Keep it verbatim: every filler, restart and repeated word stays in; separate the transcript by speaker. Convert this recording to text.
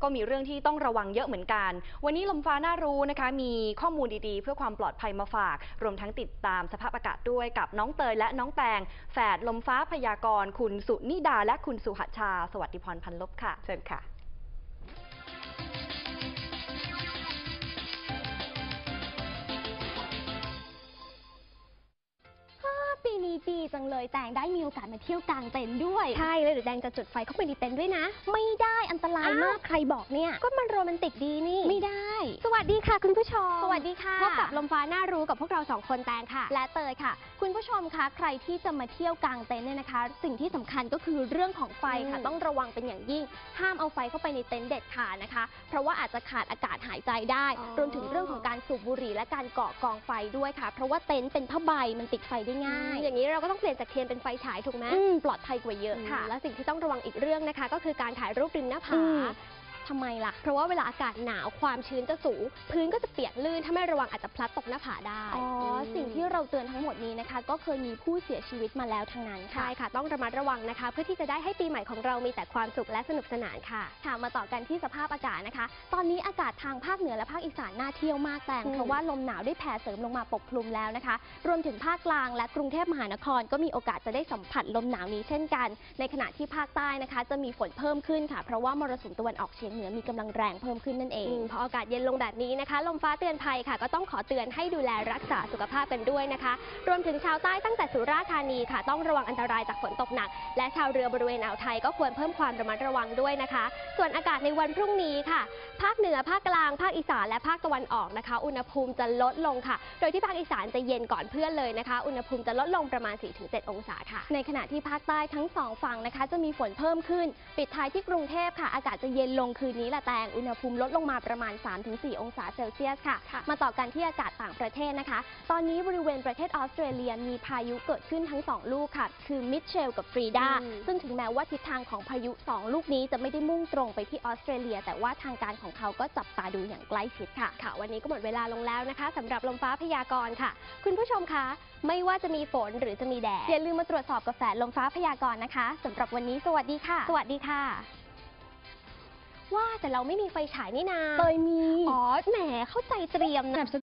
Speaker 1: ก็มีเรื่องที่ต้องระวังเยอะเหมือนกันวันนี้ลมฟ้าน่ารู้นะคะมีข้อมูลดีๆเพื่อความปลอดภัยมาฝากรวมทั้งติดตามสภาพอากาศด้วยกับน้องเตยและน้องแตงแฝดลมฟ้าพยากรณ์คุณสุนิดาและคุณสุหชาสวัสดิพรพันลบค่ะเชิญค่ะ
Speaker 2: ปีนี้ดีจังเลยแตงได้มีโอกาสมาเที่ยวกลางเต็นท์ด้วยใช่เลยเดี๋ยวแตงจะจุดไฟเข้าไปในเต็นท์ด้วยนะไม่ได้อันตรายมากใครบอกเนี่ยก็มันโรแมนติกดีนี่ไม่ได้สวัสดีค่ะคุณผู้ชมสวัสดีค่ะพบกับลมฟ้าน่ารู้กับพวกเราสองคนแตงค่ะและเตยค่ะคุณผู้ชมคะใครที่จะมาเที่ยวกลางเต็นท์เนี่ยนะคะสิ่งที่สำคัญก็คือเรื่องของไฟค่ะต้องระวังเป็นอย่างยิ่งห้ามเอาไฟเข้าไปในเต็นท์เด็ดขาดนะคะเพราะว่าอาจจะขาดอากาศหายใจได้รวมถึงเรื่องของการสูบบุหรี่และการเกาะกองไฟด้วยค่ะเพราะว่าเต็นท์เป็นผ้าใบมันติดไฟได้ง่ายอย่างนี้เราก็ต้องเปลี่ยนจากเทียนเป็นไฟฉายถูกไหมปลอดภัยกว่าเยอะค่ะและสิ่งที่ต้องระวังอีกเรื่องนะคะก็คือการถ่ายรูปริมหน้าผาทำไมล่ะเพราะว่าเวลาอากาศหนาวความชื้นจะสูงพื้นก็จะเปียกลื่นถ้าไม่ระวังอาจจะพลัดตกหน้าผาได้อ๋อสิ่งที่เราเตือนทั้งหมดนี้นะคะก็เคยมีผู้เสียชีวิตมาแล้วทั้งนั้นใช่ค่ะต้องระมัดระวังนะคะเพื่อที่จะได้ให้ปีใหม่ของเรามีแต่ความสุขและสนุกสนานค่ะค่ะมาต่อกันที่สภาพอากาศนะคะตอนนี้อากาศทางภาคเหนือและภาคอีสานน่าเที่ยวมากแต่เพราะว่าลมหนาวได้แผ่เสริมลงมาปกคลุมแล้วนะคะรวมถึงภาคกลางและกรุงเทพมหานครก็มีโอกาสจะได้สัมผัสลมหนาวนี้เช่นกันในขณะที่ภาคใต้นะคะจะมีฝนเพิ่มขึ้นค่ะเพราะว่ามรสุมตะวันออกเฉียงเหนือมีกำลังแรงเพิ่มขึ้นนั่นเองพออากาศเย็นลงแบบนี้นะคะลมฟ้าเตือนภัยค่ะก็ต้องขอเตือนให้ดูแลรักษาสุขภาพกันด้วยนะคะรวมถึงชาวใต้ตั้งแต่สุราษฎร์ธานีค่ะต้องระวังอันตรายจากฝนตกหนักและชาวเรือบริเวณอ่าวไทยก็ควรเพิ่มความระมัดระวังด้วยนะคะส่วนอากาศในวันพรุ่งนี้ค่ะภาคเหนือภาคกลางภาคอีสานและภาคตะวันออกนะคะอุณหภูมิจะลดลงค่ะโดยที่ภาคอีสานจะเย็นก่อนเพื่อนเลยนะคะอุณหภูมิจะลดลงประมาณ สี่ถึงเจ็ด องศาค่ะในขณะที่ภาคใต้ทั้งสองฝั่งนะคะจะมีฝนเพิ่มขึ้นปิดท้ายที่กรุงเทพค่ะอากาศจะเย็นลงคืนนี้ละแตงอุณหภูมิลดลงมาประมาณ สามถึงสี่ องศาเซลเซียสค่ะมาต่อกันที่อากาศต่างประเทศนะคะตอนนี้บริเวณประเทศออสเตรเลียมีพายุเกิดขึ้นทั้งสองลูกค่ะคือมิเชลกับฟรีดาซึ่งถึงแม้ว่าทิศทางของพายุสองลูกนี้จะไม่ได้มุ่งตรงไปที่ออสเตรเลียแต่ว่าทางการของเขาก็จับตาดูอย่างใกล้ชิดค่ะค่ะวันนี้ก็หมดเวลาลงแล้วนะคะสำหรับลมฟ้าพยากรณ์ค่ะคุณผู้ชมคะไม่ว่าจะมีฝนหรือจะมีแดดอย่าลืมมาตรวจสอบกับแฝดลมฟ้าพยากรณ์นะคะสำหรับวันนี้สวัสดีค่ะสวัสดีค่ะว่าแต่เราไม่มีไฟฉายนี่นาเคยมีอ๋อแหมเข้าใจเตรียมนะ